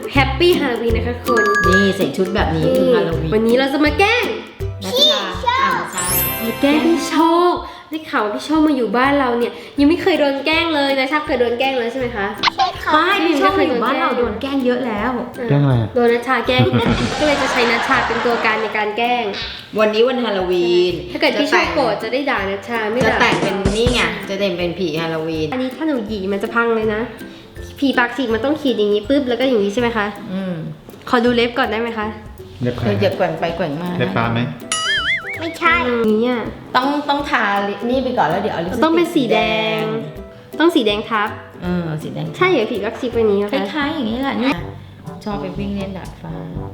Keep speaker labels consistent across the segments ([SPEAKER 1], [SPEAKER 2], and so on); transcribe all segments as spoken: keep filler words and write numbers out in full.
[SPEAKER 1] แฮปปี้ฮาโลวีนนะคะคุณ
[SPEAKER 2] นี่ใส่ชุดแบบนี้คือฮาโลวีน
[SPEAKER 1] วันนี้เราจะมาแกล้ง
[SPEAKER 2] พี่ชาอ่าใช่
[SPEAKER 1] มาแกล้งพี่โชคได้ข่าวว่าพี่โชคมาอยู่บ้านเราเนี่ยยังไม่เคยโดนแกล้งเลยนะชาเคยโดนแกล้งเลยใช่ไหมคะ
[SPEAKER 3] ใช่ค่ะ
[SPEAKER 2] ไม่พี่ชอบมาอยู่บ้านเราโดนแกล้งเยอะแล้ว
[SPEAKER 4] แกล้งอะไรอะ
[SPEAKER 1] โดนนัชชาแกล้ง ก็เลยจะใช้นัชชาเป็นตัวการในการแกล้ง
[SPEAKER 2] วันนี้วันฮาโลวีน
[SPEAKER 1] ถ้าเกิดพี่โชคโกรธจะได้ด่านัชชาไม่
[SPEAKER 2] จะ
[SPEAKER 1] ด่า
[SPEAKER 2] แต่งเป็นนี่ไงจะแต่งเป็นผีฮาโลวีน
[SPEAKER 1] อันนี้ถ้าหนูหยีมันจะพังเลยนะผีปากฉีกมันต้องขีดอย่างนี้ปุ๊บแล้วก็อย่างนี้ใช่ไหมคะ
[SPEAKER 2] อืม
[SPEAKER 1] ขอดูเล็บก่อนได้ไหมคะ
[SPEAKER 4] เล็บใค
[SPEAKER 2] เธ
[SPEAKER 4] ร
[SPEAKER 2] ออย่าแกว่งไปแกว่งมา
[SPEAKER 4] เล็บปลาไหม
[SPEAKER 3] ไม่ใช่
[SPEAKER 1] อย่างนี้อ่ะ
[SPEAKER 2] ต้องต้องทาลิปนี่ไปก่อนแล้วเดี๋ยวเอาลิปสติก
[SPEAKER 1] ต้องเป็นสีแดง ต้องสีแดงทับ
[SPEAKER 2] เออสีแดง
[SPEAKER 1] ใช่เหรอผีปากฉีกเป็นอย่างนี้
[SPEAKER 2] ค
[SPEAKER 1] นะคะ
[SPEAKER 2] ล้ายๆอย่างนี้แหละเนี่ยชอบไปวิ่งเล่นดาดฟ้า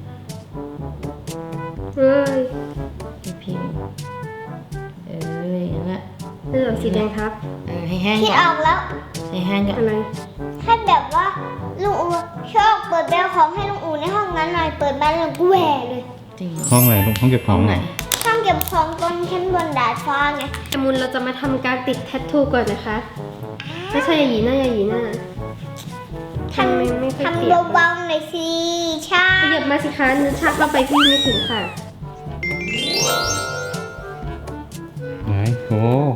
[SPEAKER 1] เฮ้ย
[SPEAKER 2] พี่พิมพ์เอออย่างนั้นแหละ
[SPEAKER 1] นี่เหรอสีแดงทับ
[SPEAKER 2] เออให้แห้ง
[SPEAKER 3] คิด
[SPEAKER 2] ก่อ
[SPEAKER 3] อน อกแล้ว
[SPEAKER 2] ให้แห้งก่อน
[SPEAKER 1] อะไร
[SPEAKER 3] ถ้าแบบว่าลุงอูชอบเปิดแบลของให้ลุงอูในห้องนั้นหน่อยเปิดบ้านลุงกูแหวเลย
[SPEAKER 2] จริง
[SPEAKER 4] ห้องไหนลูกห้องเก็บข
[SPEAKER 2] ห้
[SPEAKER 4] อ
[SPEAKER 2] อง ง
[SPEAKER 4] เห
[SPEAKER 2] ไห
[SPEAKER 4] ร
[SPEAKER 2] น
[SPEAKER 4] อ
[SPEAKER 3] ห้องเก็บของตรงชั้นบนดาดฟ้าไง
[SPEAKER 1] แต่มุนเราจะมาทำการติดแทททูก่อนนะคะไม่ใช่อย่าหยีหน้าอย่าหยีหน้า
[SPEAKER 3] ท
[SPEAKER 1] ทำไม่ไม่ค่อย
[SPEAKER 3] ำ
[SPEAKER 1] เปียก
[SPEAKER 3] ทำเบาๆหน่อยสิใช่
[SPEAKER 1] ขยับมาสิคะนึกชักเข้าไปพี่ไม่ถึงค่ะ
[SPEAKER 4] ไหนโอ้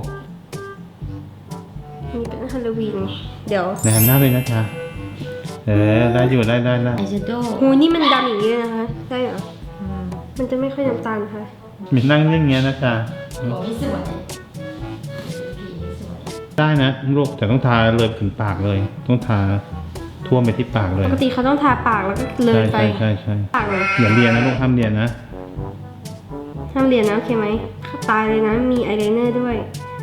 [SPEAKER 1] นี่เป็นฮาโลวีนเดี๋ยว
[SPEAKER 4] ไหนหันหน้าไปนะจ๊ะเออได้อยู่ได้ได้ได้
[SPEAKER 2] อายแชโดว์
[SPEAKER 1] หูนี่มันดำอย่างนี้เลยนะคะได้เหรอมันจะไม่ค่อยน้ำตาลค่ะ
[SPEAKER 4] มีนั่งนิ่งเงี้ยนะจ๊ะ
[SPEAKER 2] โอ้ยสวยผีสวย
[SPEAKER 4] ได้นะลูกแต่ต้องทาเลยถึงปากเลย ต้องทาท่วมไปที่ปากเลย
[SPEAKER 1] ปกติเขาต้องทาปากแล้วก็เล
[SPEAKER 4] ใช่
[SPEAKER 1] ยไป
[SPEAKER 4] ใช่ใช่ใช่
[SPEAKER 1] ปากเลย
[SPEAKER 4] อย่าเรียนนะลูกห้ามเรียนนะ
[SPEAKER 1] ห้ามเรียนนะโอเคไหมตายเลยนะมีอายไลเนอร์ด้วย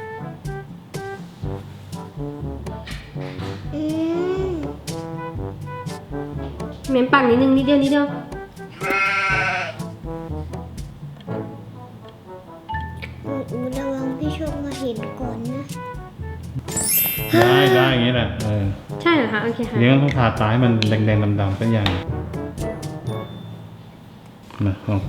[SPEAKER 3] อืม
[SPEAKER 1] เม้มปากนิดนึงนิดเดียวนิดเดียว
[SPEAKER 3] ลุงอูระวังพี่โชคมาเห็นก่อนนะ
[SPEAKER 4] ได้ได้อย่างนี้แหละเออ
[SPEAKER 1] ใช่เหรอคะโอเคค่ะ
[SPEAKER 4] เนี้ยต้องทาตาให้มันแดงๆดำๆเป็นอย่างมาลอง
[SPEAKER 3] ขอ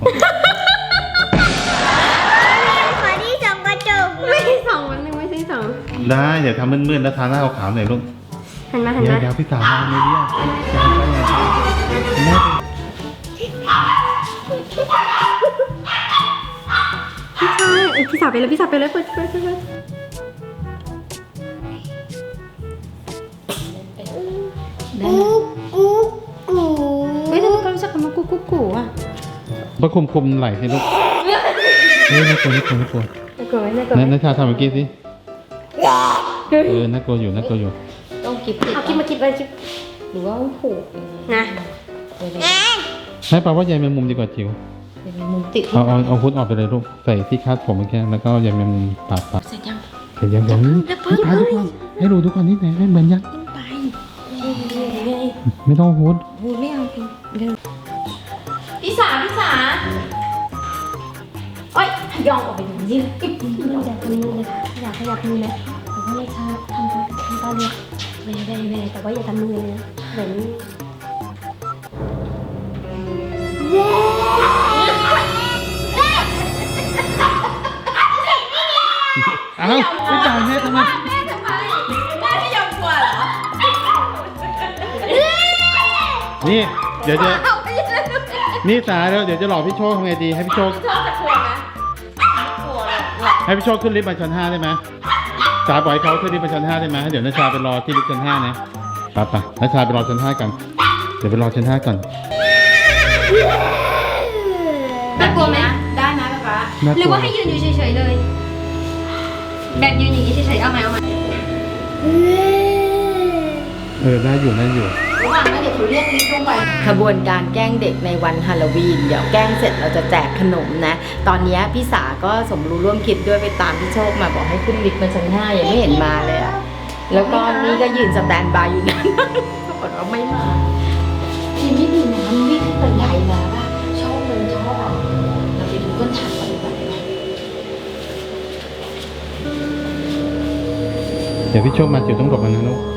[SPEAKER 3] ที่สองกระจก
[SPEAKER 1] ไม่ใช่สองวันหนึ่งไม่ใช่สอง
[SPEAKER 4] ได้เดี๋ยวทำมืดๆแล้วทาหน้าขาวๆหน่อยลูก
[SPEAKER 1] หันมาหัน
[SPEAKER 4] เดี๋ยว
[SPEAKER 1] มา
[SPEAKER 4] เดี๋ยวพี่สาวมาไม่เรียกแม่
[SPEAKER 1] พี่ชายเอ้ยพี่สาวไปเลยพี่สาวไปเลยเปิดเปิดเปิดเปิด
[SPEAKER 2] ได้
[SPEAKER 3] กูกูกู
[SPEAKER 2] เฮ้ยทำไมเขารู้จักคำว่ากุ๊กกุ๊กกูอ่ะ
[SPEAKER 4] ประคุมคุมไหล่ให้ลูกเฮ้ยน่ากลัวน่ากลัวน่ากลัว
[SPEAKER 1] น่ากลัวไหมน่ากลัว
[SPEAKER 4] นั่น
[SPEAKER 1] ไหม
[SPEAKER 4] นัชชาทำเมื่อกี้สิ
[SPEAKER 1] เฮ้ย
[SPEAKER 4] เออน่ากลัวอยู่น่ากลัวอยู่
[SPEAKER 2] ต้องกิบติด
[SPEAKER 1] เอาคิดมาคิดมาคิด
[SPEAKER 2] หรือว่าผูก
[SPEAKER 1] นะ
[SPEAKER 2] เดี๋ยว
[SPEAKER 3] แอน
[SPEAKER 4] ให้ปลาว่าใยแมงมุมดีกว่าจิ๋ว
[SPEAKER 2] เดี๋ยวมีมุมติดที่
[SPEAKER 4] เอาเอาเอาพุทออกไปเลยลูกใส่ที่คาดผมเมื่อกี้แล้วก็ใยแมงมุมปาดปาด
[SPEAKER 2] เสร็จยัง
[SPEAKER 4] เห็นยังยังนี่ปาดทุกคนให้ดูทุกคนนี่ไหนให้เหมือนยัง
[SPEAKER 2] ขึ้นไป
[SPEAKER 4] ไม่ต้องพุท
[SPEAKER 2] พูดไม่เอาเร็วพี่สาพี่สาโอ๊ยย่องออกไปอย่างนี้
[SPEAKER 1] อยากทำมือเลยอยากขยับมือเลยแต่ว่าไม่ชาทำทำตอนเนี้ยเว่ยเว่ยเว่ยแต่ว่าอย่าทำมือเลยนะเหมือน
[SPEAKER 4] อ้าวไม่จ่ายแม่ทำไม
[SPEAKER 2] แม่ทำไมแม่ไม่ยอมกลัวเหรอ
[SPEAKER 4] นี่เดี๋ยวจะนี่สาแล้วเดี๋ยวจะหลอกพี่โชคทำไงดีให้พี่โชค
[SPEAKER 2] ชอบจะกลัวไหมกลัวเลยหรอ
[SPEAKER 4] ให้พี่โชคขึ้นลิฟต์มาชั้นห้าได้ไหมสาปล่อยให้เขาขึ้นลิฟต์มาชั้นห้าได้ไหมเดี๋ยวนัชชาไปรอที่ลิฟต์ชั้นห้านะไปไปนัชชาไปรอชั้นห้ากันเดี๋ยวไปรอชั้นห้าก่อน
[SPEAKER 1] น่ากลัวไหม
[SPEAKER 2] ได้ไหมป๊าป๊า
[SPEAKER 4] น่าก
[SPEAKER 1] หรื
[SPEAKER 4] ลั
[SPEAKER 1] อ
[SPEAKER 4] ว
[SPEAKER 1] ว่าให้ยืนอยู่เฉยๆเลย แบบยืนอย่างนี้เฉยๆเอาไหมเอาไหม
[SPEAKER 4] เออได้อยู่ได้อยู่
[SPEAKER 2] ระหว่างนั้นเดี๋ยวเขาเรียกลิฟต์ลงไปขบวนการแกล้งเด็กในวันฮาโลวีนเดี๋ยวแกล้งเสร็จเราจะแจกขนมนะ ตอนนี้พี่สาก็สมรู้ร่วมคิดด้วยไปตามพี่โชคมาบอกให้ขึ้นลิฟต์มาชั้นห้ายังไม่เห็นมาเลยอะแล้วก็นี่ก็ยืนสแตนบายอยู่นั่นปรากฏว่าไม่มาทีไม่มีน้ำวิ่งขึ้นบันไดมาป่ะชอบเลยชอบอะเราไปดูต้นทางกันดีกว่า
[SPEAKER 4] เดี๋ยวพี่โชคมาจิ๋วต้องหลบมันนะลูก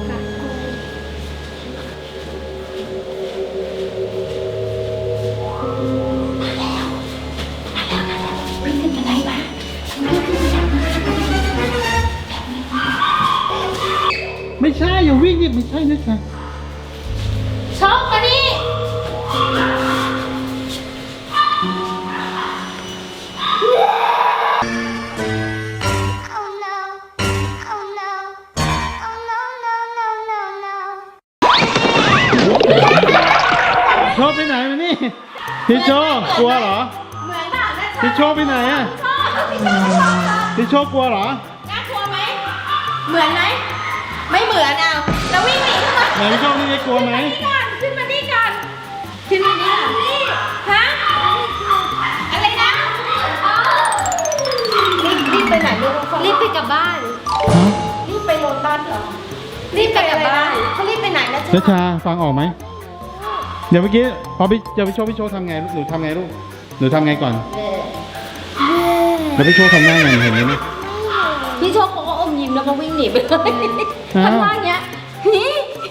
[SPEAKER 2] วิ่งขึ้นบันไดมา
[SPEAKER 4] ไม่ใช่อย่าวิ่งดิไม่ใช่นะจ๊ะ
[SPEAKER 2] ชอบมานี่
[SPEAKER 4] พี่โชคกลัวเหรอ
[SPEAKER 2] เหมือนด่าแม่ชอบ
[SPEAKER 4] พี่โชคไปไหนอะ
[SPEAKER 2] ชอบพี่ชอบชอบชอบ
[SPEAKER 4] พี่โชคกลัวเหรอ
[SPEAKER 2] น่ากลัวไหมเหมือนไหมไม่เหมือนเอาแล้ววิ่งหนีทำไม
[SPEAKER 4] ไหนพี่โชคนี่กลัวไหม
[SPEAKER 2] นี่ก่อนขึ้นมานี่ก่อนขึ้นมานี่ก่อนนี่ฮะอะไรนะรีบรีบไปไหนลูก
[SPEAKER 1] รีบไปกลับบ้าน
[SPEAKER 4] ฮะ
[SPEAKER 2] รีบไปโรงพยาบาลเหรอรีบไปกลับบ้านเขารีบไปไหนนะ
[SPEAKER 4] นัชชาฟังออกไหมเดี๋ยวเมื่อกี้พอพี่เดี๋ยวพี่โชคพี่โชคทำไงลูกหนูทำไงลูกหนูทำไงก่อนแล้วพี่โชคทำหน้าไงเห็นไหมเนี่ย
[SPEAKER 2] พี่โชคเขาก็อมยิ้มแล้วก็วิ่งหนีไปเลย
[SPEAKER 4] อ้าว
[SPEAKER 2] ทำท่าอย่างเงี้ยนี่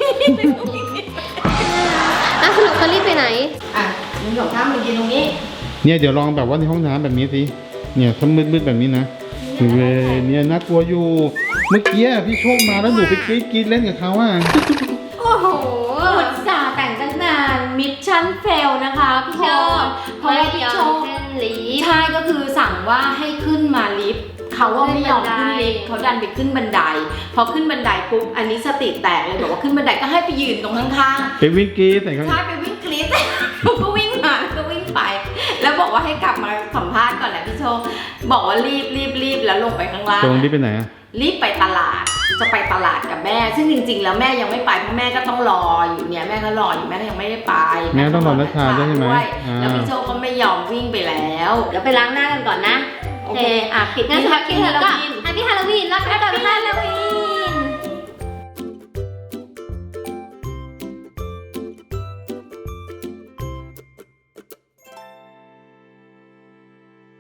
[SPEAKER 1] อ่ะสรุปเขารีบไปไหน
[SPEAKER 2] อ่ะมึงสองข้างมึงยืนตรงนี้
[SPEAKER 4] เนี่ยเดี๋ยวลองแบบว่าในห้องน้ำแบบนี้สิเนี่ยถ้ามืดๆแบบนี้นะเว้ยเนี่ยน่ากลัวอยู่ เมื่อกี้พี่โชคมาแล้วหนูไปกรี๊ดกรี๊ดเล่นกับเขาอ่ะ
[SPEAKER 2] โอ้โหอุตส่าห์แต่งตั้งนานมิชชั่นเฟลนะคะพี่โชคเพราะว่าพี่โชค
[SPEAKER 1] ลีฟ
[SPEAKER 2] ใช่ก็คือสั่งว่าให้ขึ้นมาลิฟต์เขาว่าไม่ยอมขึ้นลิฟต์เขาดันไปขึ้นบันไดพอขึ้นบันไดปุ๊บอันนี้สติแตกเลยบอกว่าขึ้นบันไดก็ให้ไปยืนตรงข้างๆ
[SPEAKER 4] ไปวิ่งกรี๊ดใส่เขา
[SPEAKER 2] ใช่ไปวิ่งกรี๊ด เขาก็วิ่งมาแล้วก็วิ่งไป แล้วบอกว่าให้กลับมาสัมภาษณ์ก่อนแหละพี่โชคบอกว่ารีบรีบรีบแล้วลงไปข้างล่าง
[SPEAKER 4] ตรงนี้ไปไหนอ่ะ
[SPEAKER 2] รีบไปตลาดจะไปตลาดกับแม่ ซึ่งจริงๆ แล้วแม่ยังไม่ไปเพราะแม่ก็ต้องรออยู่เนี่ยแม่ก็รออยู่แม่ก็ยังไม่ได้ไป
[SPEAKER 4] แม่ต้องรอนัชชาด้วยใช่ไหม
[SPEAKER 2] ด้วย
[SPEAKER 4] อ่า
[SPEAKER 2] แล้วพี่โชคก็ไม่ยอมวิ่งไปแล้ว
[SPEAKER 1] เดี๋ยวไปล้างหน้ากันก่อนนะ
[SPEAKER 2] โอเคอ่ะปิด
[SPEAKER 1] งั้น
[SPEAKER 2] ที่
[SPEAKER 1] พักกิน
[SPEAKER 2] ฮา
[SPEAKER 1] เถ
[SPEAKER 2] โล
[SPEAKER 1] อะก็
[SPEAKER 2] วีน
[SPEAKER 1] แฮปปี้ฮาโลวีนแล้วกัน
[SPEAKER 2] ฮาโลวีน